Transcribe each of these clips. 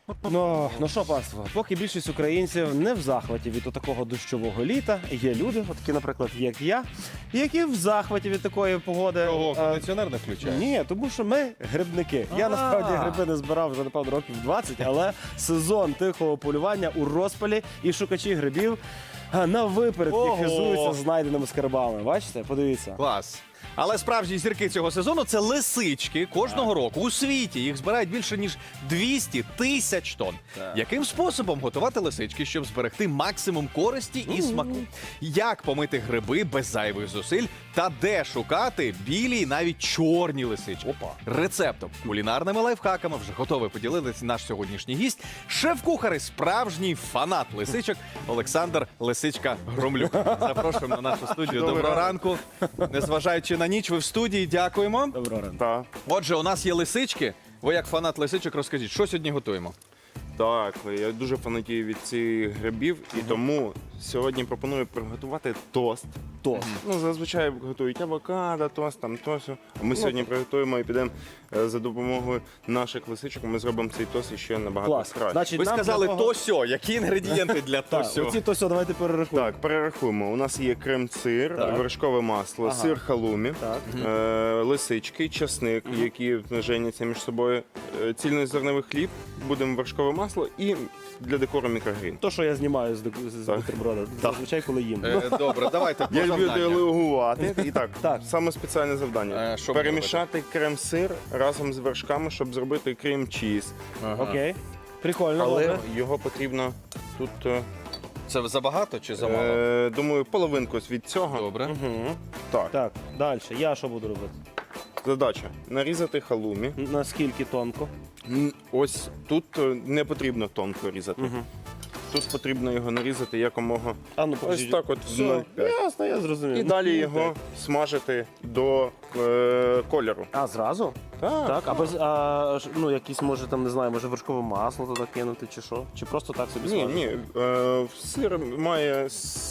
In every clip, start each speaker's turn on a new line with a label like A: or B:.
A: Ну що, панство, поки більшість українців не в захваті від такого дощового літа, є люди, такі, наприклад, як я, які в захваті від такої погоди.
B: Чого, кондиціонер не включає?
A: Ні, тому що ми грибники. Я насправді гриби не збирав вже, напевно, років 20, але сезон тихого полювання у розпалі і шукачі грибів на випередки
B: Ого!
A: хизуються знайденими скарбами. Бачите? Подивіться.
B: Клас. Але справжні зірки цього сезону – це лисички. Кожного року у світі їх збирають більше, ніж 200 тисяч тонн. Яким способом готувати лисички, щоб зберегти максимум користі і смаку? Як помити гриби без зайвих зусиль? Та де шукати білі і навіть чорні лисички? Рецептом, кулінарними лайфхаками вже готовий поділитися наш сьогоднішній гість. Шеф-кухар і справжній фанат лисичок Олександр Лисичка Громлюк. Запрошуємо на нашу студію. Доброго ранку. Незважаючи на ніч, ви в студії. Дякуємо.
A: Доброго ранку.
C: Так,
B: Отже, у нас є лисички. Ви як фанат лисичок розкажіть, що сьогодні готуємо?
C: так, я дуже фанатію від цих грибів, і тому сьогодні пропоную приготувати тост.
A: Тост.
C: Ну, зазвичай готують авокадо, тост, там тост. А ми сьогодні приготуємо і підемо за допомогою наших лисичок. Ми зробимо цей тост ще набагато
A: Клас.
C: краще.
A: Значить,
B: Ви
A: нам
B: сказали
A: для того-
B: то-сьо. Які інгредієнти для
A: Так,
B: то-сьо?
A: оці то-сьо, давайте перерахуємо.
C: Так, перерахуємо. У нас є крем-сир,
A: Так.
C: вершкове масло,
A: Ага.
C: сир халумі,
A: Так.
C: лисички, часник, які женяться між собою, цільнозерновий хліб, будемо вершкове масло і для декору мікрогрін.
A: То, що я знімаю з
C: Так.
A: бутерброда, зазвичай, коли їм.
B: Добре, давайте по
C: Я люблю
B: завданням.
C: делегувати. І так,
A: Так.
C: саме спеціальне завдання.
B: Що
C: Перемішати крем-сир разом з вершками, щоб зробити крем-чіз.
A: Окей. Прикольно,
C: Але
A: добре.
C: його потрібно тут,
B: Це забагато чи замало?
C: думаю, половинку від цього.
B: Добре.
C: Так,
A: Так, далі. Я що буду робити?
C: задача нарізати халумі.
A: Наскільки тонко?
C: Ось тут не потрібно тонко різати. Тут потрібно його нарізати якомога.
A: А ну
C: Ось
A: покажіть.
C: так от.
A: Все,
C: 0,5.
A: ясно, я зрозумів.
C: І
A: Ну,
C: далі
A: ну,
C: його
A: так.
C: смажити до кольору.
A: А, зразу? Так, а без, ну, якісь, може, там, не знаю, може вершкове масло туди кинути, чи що? Чи просто так собі
C: Ні,
A: смажити?
C: ні, сир має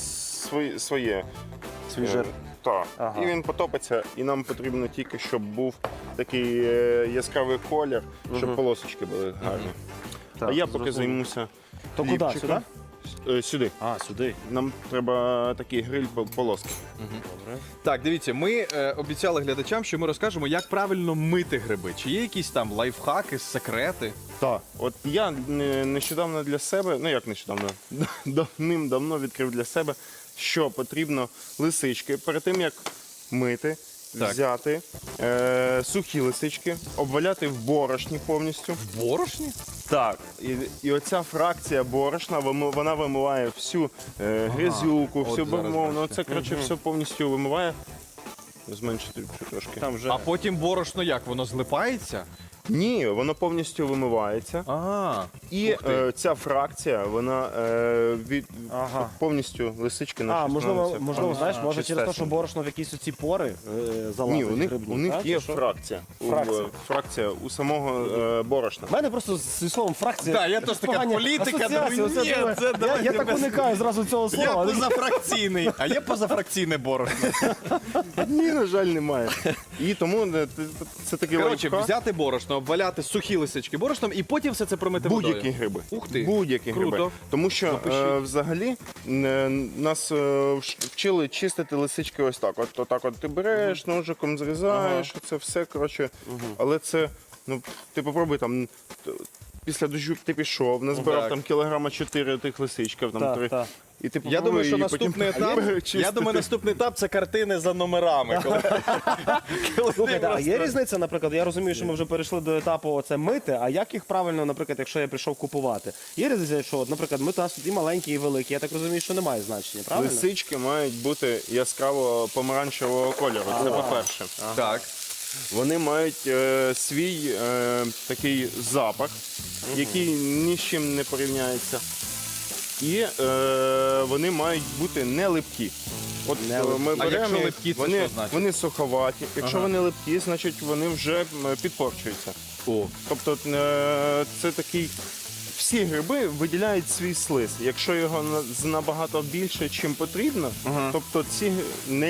C: своє.
A: Свій жир.
C: Так.
A: Ага.
C: І він потопиться, і нам потрібно тільки, щоб був такий яскравий колір, щоб полосочки були гарні.
A: Так,
C: А я поки
A: зрозумів.
C: займуся.
A: То куди,
C: хлібчиком. Сюди.
A: А, сюди.
C: Нам треба такий гриль полоски.
B: Так, дивіться, ми обіцяли глядачам, що ми розкажемо, як правильно мити гриби. Чи є якісь там лайфхаки, секрети?
C: Так. От я нещодавно для себе, ну як нещодавно, давним-давно відкрив для себе, що потрібно лисички перед тим, як мити,
B: Так.
C: взяти сухі лисички, обваляти в борошні повністю.
B: В борошні?
C: Так, і оця фракція борошна, вона вимиває всю грязюку,
B: От
C: всю
B: зараз
C: бавовну. Оце, коротше, все повністю вимиває. Зменшити трошки.
A: Там вже...
B: А потім борошно як? Воно злипається?
C: Ні, воно повністю вимивається.
B: А,
C: І
B: ух ти.
C: ця фракція, вона
A: Ага.
C: повністю лисички наші
A: А, можливо,
C: становляться
A: знаєш, може через те, що
C: чистесенькі.
A: борошно в якісь оці пори залазить
C: Ні,
A: грибні,
C: у них
A: так,
C: є
A: чи що?
C: фракція.
A: Фракція.
C: Фракція у самого борошна.
A: У мене просто зі словом фракція.
B: Так, я теж така
A: погані
B: політика,
A: асоціації.
B: думаю,
A: Оце
B: ні,
A: думаю,
B: це
A: я
B: давайте
A: так
B: без-
A: уникаю зразу цього
B: Я
A: слова.
B: позафракційний, а є позафракційне борошно.
C: Ні, на жаль, немає. І тому це такий
B: Коротше,
C: лайфхак.
B: взяти борошно, обваляти сухі лисички борошном і потім все це промити водою.
C: Будь-які гриби.
B: Ух ти.
C: Будь-які
B: Круто.
C: гриби. Тому що
B: Запишіть.
C: взагалі нас вчили чистити лисички ось так. Отак от ти береш, ножиком зрізаєш, це все, коротше. Але це, ну, ти попробуй там. Після дощу ти пішов, назбирав
B: Так.
C: там кілограма 4 тих лисичків, там
A: Так,
C: 3.
A: так.
C: І ти
B: Я
C: попробуй
B: думаю, що
C: її потім
B: наступний етап,
C: перечистити.
B: я думаю, наступний етап це картини за номерами.
A: Слухайте, а є різниця, наприклад, я розумію, що ми вже перейшли до етапу оце мити, а як їх правильно, наприклад, якщо я прийшов купувати? Є різниця, що, от, наприклад, ми нас тут і маленькі, і великі, я так розумію, що немає значення, правильно?
C: Лисички мають бути яскраво помаранчевого кольору. Це по-перше.
B: Так.
C: Вони мають свій такий запах, який ні з чим не порівняється. І вони мають бути не липкі. От
A: Не липкі.
C: ми
B: А
C: беремо,
B: якщо
C: їх,
B: липкі, це
C: вони,
B: що значить?
C: вони суховаті. Якщо вони липкі, значить вони вже підпорчуються.
B: О.
C: Тобто це такий. Всі гриби виділяють свій слиз. Якщо його набагато більше, чим потрібно, тобто ці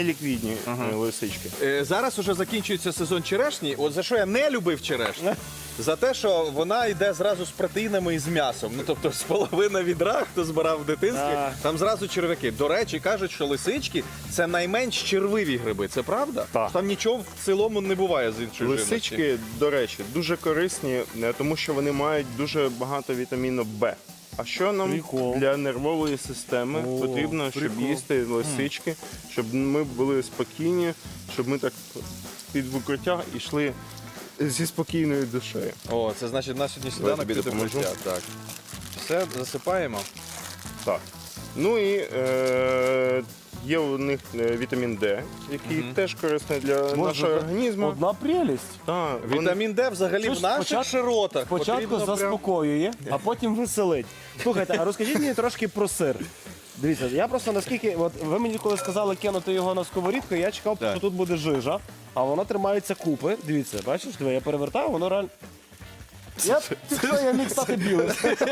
C: неліквідні лисички.
B: Зараз уже закінчується сезон черешні. От за що я не любив черешню, за те, що вона йде зразу з протеїнами і з м'ясом. Ну, тобто, з половини відра, хто збирав в дитинстві,
A: Так.
B: там зразу черв'яки. До речі, кажуть, що лисички – це найменш червиві гриби. Це правда?
C: Так.
B: Там нічого в цілому не буває з іншої живності.
C: Лисички, до речі, дуже корисні, тому що вони мають дуже багато вітаміну Б. А що нам
A: Прикол.
C: для нервової системи
A: О,
C: потрібно, щоб
A: прикол.
C: їсти лисички, щоб ми були спокійні, щоб ми так під викриття йшли зі спокійною душею.
B: О, це значить, на сьогодні сніданок
C: тобі
B: піти
C: допоможу.
B: проща. Так. Все, засипаємо.
C: Так. Ну і є у них вітамін Д, який теж корисний для нашого організму.
A: Одна прелість.
C: Так, вони-
B: Вітамін Д взагалі
A: Чуєш,
B: в наших
A: спочатку-
B: широтах.
A: Спочатку
B: потрібно прям-
A: заспокоює, а потім веселить. Слухайте, а розкажіть мені трошки про сир. Дивіться, я просто наскільки, от ви мені коли сказали кинути його на сковорідку, я чекав,
B: Так.
A: що тут буде жижа, а воно тримається купи. Дивіться, бачиш, диви, я перевертаю, воно реально. Я міг стати білим.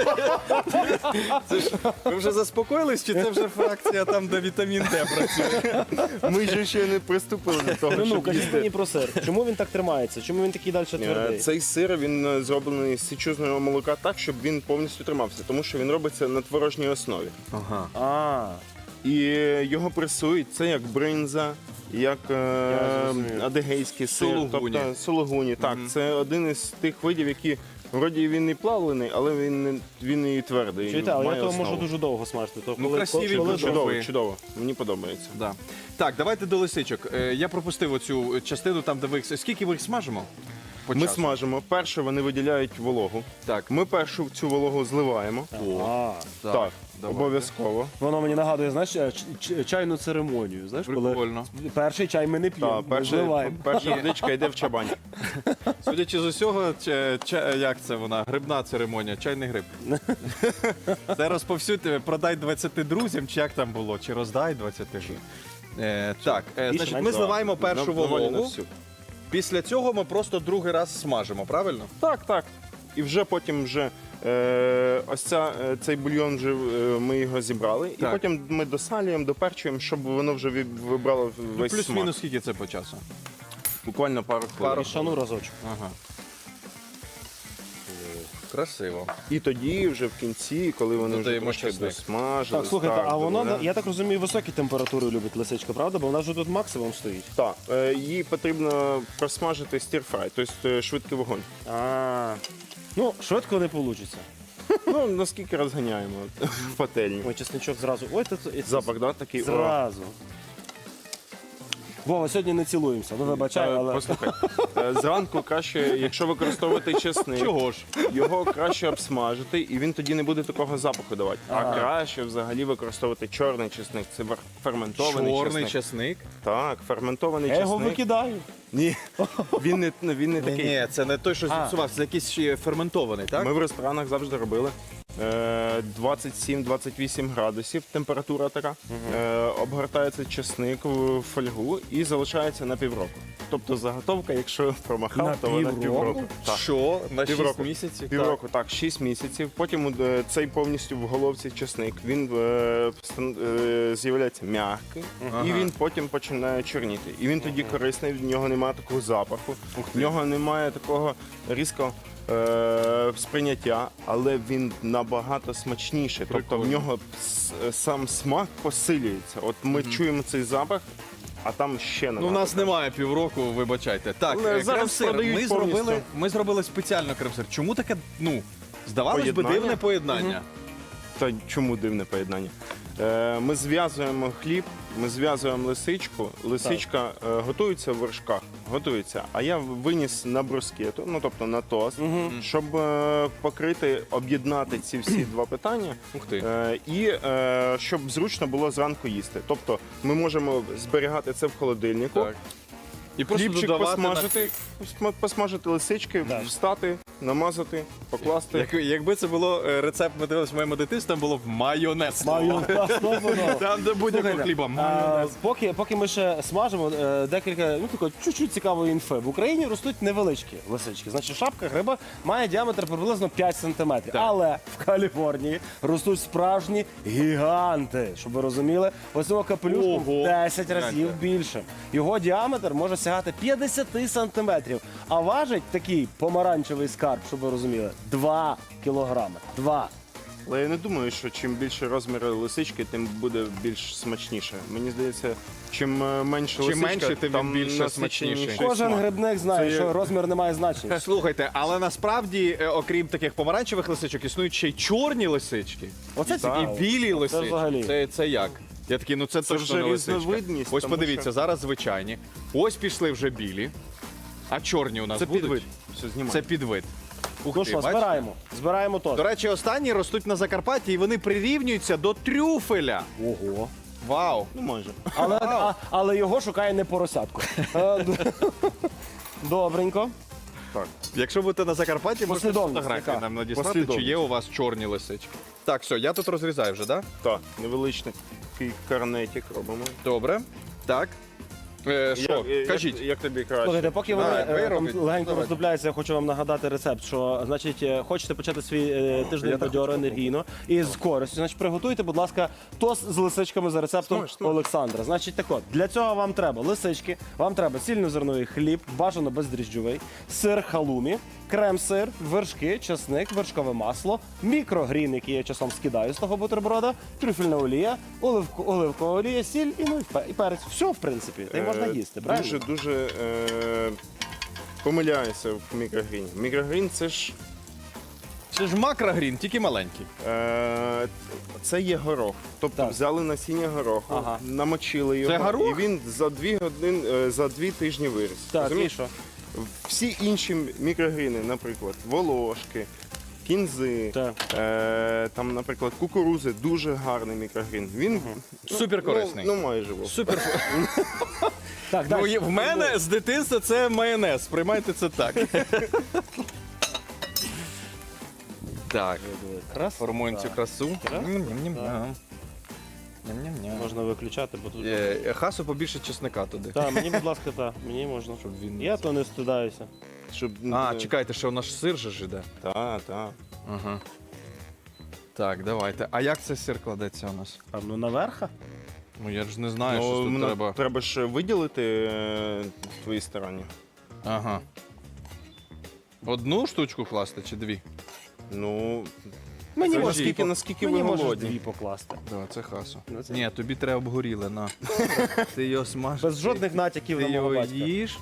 B: Ви вже заспокоїлись, чи це вже фракція там, де вітамін Д працює?
C: Ми ж ще не приступили до того,
A: Ну,
C: щоб
A: кажіть
C: їсти.
A: мені про сир. Чому він так тримається? Чому він такий далі твердий?
C: Цей сир він зроблений з січузного молока так, щоб він повністю тримався, тому що він робиться на творожній основі.
B: Ага.
A: А,
C: І його пресують, це як бринза, як
A: зрозумів.
C: адигейський сир,
B: Сулугуні.
C: тобто сулугуні. Так, це один із тих видів, які вроді він і плавлений, але він і твердий.
A: чуєте, але я
C: має
A: того
C: основу.
A: можу дуже довго смажити. То
B: Ну, красиві
A: коли
B: дуже.
C: Чудово,
B: Ви.
C: чудово. Мені подобається.
B: Да. Так, давайте до лисичок. Я пропустив оцю частину, там, де ви їх... Скільки ви їх смажимо? По
C: Ми
B: часу?
C: смажимо. Перше вони виділяють вологу.
B: Так.
C: Ми першу цю вологу зливаємо.
A: А,
C: Так,
B: давай.
C: обов'язково.
A: воно мені нагадує, знаєш, чайну церемонію. Знаєш,
B: Прикольно.
A: коли перший чай ми не п'ємо,
C: Так,
A: ми зливаємо.
C: перша водичка йде в чабань.
B: Судячи з усього, як це вона? Грибна церемонія, чайний гриб. Це розповсюдь, продай 20 друзям, чи як там було, чи роздай 20 друзям. Так, значить, ми
A: менше.
B: зливаємо першу
C: Доволі на
B: вологу.
C: всю.
B: Після цього ми просто другий раз смажимо, правильно?
C: Так, так. І вже потім цей бульйон вже ми його зібрали, і
B: Так.
C: потім ми досалюємо, доперчуємо, щоб воно вже вибрало весь смак.
B: Плюс-мінус скільки це по часу?
C: Буквально пару хвилин.
A: І шану разочок.
B: Ага. Красиво.
C: І тоді вже в кінці, коли вони вже
B: Додаємо
C: трошки
B: чесник.
C: досмажились.
A: Так, слухайте, а воно,
C: додаємо.
A: я так розумію, високі температури любить лисичка, правда? Бо вона вже тут максимум стоїть.
C: Так, її потрібно просмажити стір-фрай, тобто швидкий вогонь.
A: А, ну, швидко не вийде.
C: Ну, наскільки розганяємо в пательні.
A: Ой, чесничок зразу. Ой, це
C: Запах, да, такий? О.
A: зразу. Вова, сьогодні не цілуємося. Ну, вибачай, але...
C: Послухай, зранку краще, якщо використовувати чесник,
B: Чого ж?
C: його краще обсмажити, і він тоді не буде такого запаху давати. А краще взагалі використовувати чорний чесник. Це ферментований
B: Чорний
C: чесник.
B: чесник?
C: Так, ферментований
A: Я його
C: чесник.
A: викидаю.
C: Ні, він не такий.
B: Ні, це не той, що зіпсувався, це якийсь ще ферментований, так?
C: Ми в ресторанах завжди робили 27-28 градусів, температура така. Обгортається чесник в фольгу і залишається на півроку. Тобто заготовка, якщо промахав,
A: На
C: то вона
A: півроку?
C: півроку. Так.
B: Що? На 6
C: Півроку.
B: місяців?
C: Півроку, так, 6 місяців. Потім цей повністю в головці чесник, він з'являється м'який, і він потім починає чорніти. І він тоді корисний, в нього немає такого запаху, в нього немає такого різкого сприйняття, але він набагато смачніший. Тобто в нього сам смак посилюється. От ми чуємо цей запах, а там ще
B: Ну, у нас немає півроку, вибачайте. Так,
C: Але зараз
B: крем-сир.
C: продають повністю.
B: Ми зробили спеціально крем-сир. Чому таке, здавалось би,
C: Поєднання?
B: дивне поєднання?
C: Та чому дивне поєднання? Ми зв'язуємо хліб, ми зв'язуємо лисичку. Лисичка готується в вершках, готується. А я виніс на брускету, ну тобто на тост, щоб покрити, об'єднати ці всі два питання.
B: Ух ти.
C: І щоб зручно було зранку їсти. Тобто ми можемо зберігати це в холодильнику.
B: Так. І просто
C: Хлібчик
B: додавати
C: посмажити лисички,
A: Так.
C: встати, намазати, покласти.
B: Якби це було рецепт, ми дивилися в моєму дитинстві, там було майонез. Там, де будь-якого
A: Слухайте,
B: хліба. Майонез.
A: Поки ми ще смажимо, декілька, такої чуть-чуть цікавої інфи. В Україні ростуть невеличкі лисички. Значить, шапка гриба має діаметр приблизно 5 сантиметрів. Але в Каліфорнії ростуть справжні гіганти. Щоб ви розуміли, ось цього капелюшку в
B: Ого.
A: 10 разів
B: Гляньте.
A: більше. Його діаметр може сягати 50 сантиметрів. А важить такий помаранчевий скат карп, щоб ви розуміли. 2 кілограми. 2.
C: Але я не думаю, що чим більше розміри лисички, тим буде більш смачніше. Мені здається, чим менше
B: Чим
C: лисичка,
B: менше, тим
C: там
B: більше
C: насиченіший
B: смачніше.
A: Кожен
C: смак.
A: грибник знає,
C: Це
A: що
C: є-
A: розмір не має значення.
B: Слухайте, але насправді, окрім таких помаранчевих лисичок, існують ще й чорні лисички.
A: Оце
B: І
A: цікаво.
B: білі лисички.
A: взагалі.
B: Це як? Я такий, ну це точно
C: вже
B: не лисичка.
C: різновидність,
B: Ось
C: тому
B: подивіться,
C: що-
B: зараз звичайні. Ось пішли вже білі. А чорні у нас
C: Це
B: будуть?
C: підвид. Все, знімай.
B: Це підвид. Ух
A: Ну
B: ти,
A: що,
B: бачиш?
A: збираємо. Збираємо
B: До
A: теж.
B: речі, останні ростуть на Закарпатті і вони прирівнюються до трюфеля.
A: Ого.
B: Вау!
C: Ну, майже.
A: Але його шукає не поросятку. Добренько.
C: Так.
B: Якщо будете на Закарпатті, можете
A: Послідовність
B: фотографії
A: яка?
B: нам надіслати, чи
C: Послідовність.
B: є у вас чорні лисички. Так, все, я тут розрізаю вже, так?
C: Так, невеличкий такий карнетик робимо.
B: Добре. Так. Що, кажіть.
C: Як тобі краще?
A: Слухайте, поки вони
B: Давай, ви
A: там
B: робіть.
A: легенько
B: Давай.
A: роздупляються, я хочу вам нагадати рецепт, що, значить, хочете почати свій тиждень бадьоро енергійно і з користю, значить, приготуйте, будь ласка, тост з лисичками за рецептом
C: Смаж, смаж.
A: Олександра. Значить, так от, для цього вам треба лисички, вам треба цільнозерновий хліб, бажано бездріжджовий, сир халумі, крем-сир, вершки, чесник, вершкове масло, мікрогрін, який я часом скидаю з того бутерброда, трюфельна олія, оливкова олія, сіль і, ну, і перець. Все, в принципі, та й можна їсти, правильно?
C: Дуже помиляюся в мікрогріні. Мікрогрін це ж
B: Це ж макрогрін, тільки маленький.
C: це є горох. Тобто
A: Так.
C: взяли насіння гороху,
A: Ага.
C: намочили його,
B: Це горох?
C: і він за 2 години, за 2 тижні виріс.
A: Так, і
C: Розумієш?
A: що?
C: Всі інші мікрогріни, наприклад, волошки, кінзи,
A: Так.
C: там, наприклад, кукурузи, дуже гарний мікрогрін. Він
B: Супер корисний.
C: Ну, майже. Вов.
B: Супер.
A: Так,
B: Ну,
A: далі.
B: в мене з дитинства це майонез. Сприймайте це так. Так,
A: Крас.
B: формуємо цю красу.
A: Так.
B: Ням-ням-ням. Ням-ням-ням.
A: Можна виключати, бо тут.
B: Хасу побільше чесника туди.
A: Так, мені, будь ласка, так, мені можна.
B: Щоб він не
A: Я то не стидаюся.
C: Щоб...
B: А, чекайте, що у нас сир же ж іде.
C: Так.
B: Ага. Так, давайте. А як цей сир кладеться у нас?
A: А ну наверха?
B: Ну я ж не знаю, що
C: Ну,
B: тут треба.
C: треба ж виділити твої старання.
B: Ага. Одну штучку класти чи дві?
C: Ну,
A: Мені
C: це
A: можеш
C: наскільки
A: мені
C: ви
A: можеш
C: голодні.
A: дві покласти.
B: Давай, це хасу.
A: Ну, це-
B: Ні, тобі треба обгоріле, на. Ти його смажиш.
A: Без жодних натяків
B: Ти
A: на мого
B: його
A: батька.
B: їш.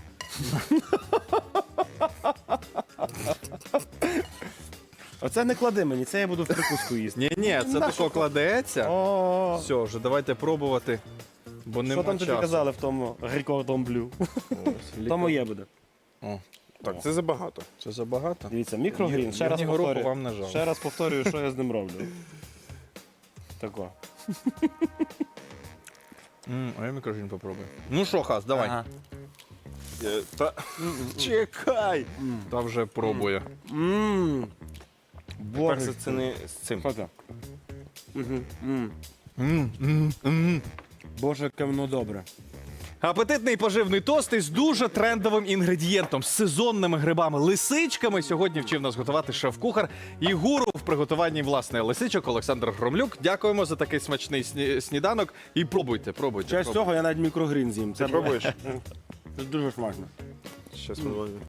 A: Оце не клади мені, це я буду в прикуску їсти.
B: Ні, це тако кладеться.
A: О,
B: Все, вже давайте пробувати. Бо
A: що
B: нема
A: там тобі
B: часу.
A: казали в тому Рікордон Блю? То моє буде.
B: О,
C: Так, це забагато.
B: це забагато.
A: Дивіться, мікрогрін. Ще раз
B: Мені гороху
A: повторюю.
B: вам не жалко.
A: Ще раз повторюю, що я з ним роблю. Тако.
B: А я мікрогрін попробую. Ну що, Хас, давай.
A: Ага.
C: Чекай!
B: Та вже пробує.
A: Ммм. Боже.
C: Перше, це не з цим.
A: Фото. Боже, яке воно добре.
B: Апетитний поживний тост із дуже трендовим інгредієнтом з сезонними грибами, лисичками. Сьогодні вчив нас готувати шеф-кухар і гуру в приготуванні власне лисичок Олександр Громлюк. Дякуємо за такий смачний сніданок. І пробуйте.
A: Через цього я навіть мікрогрін з'їм. Це
C: Пробуєш?
A: Це дуже смачно.
C: Щас ми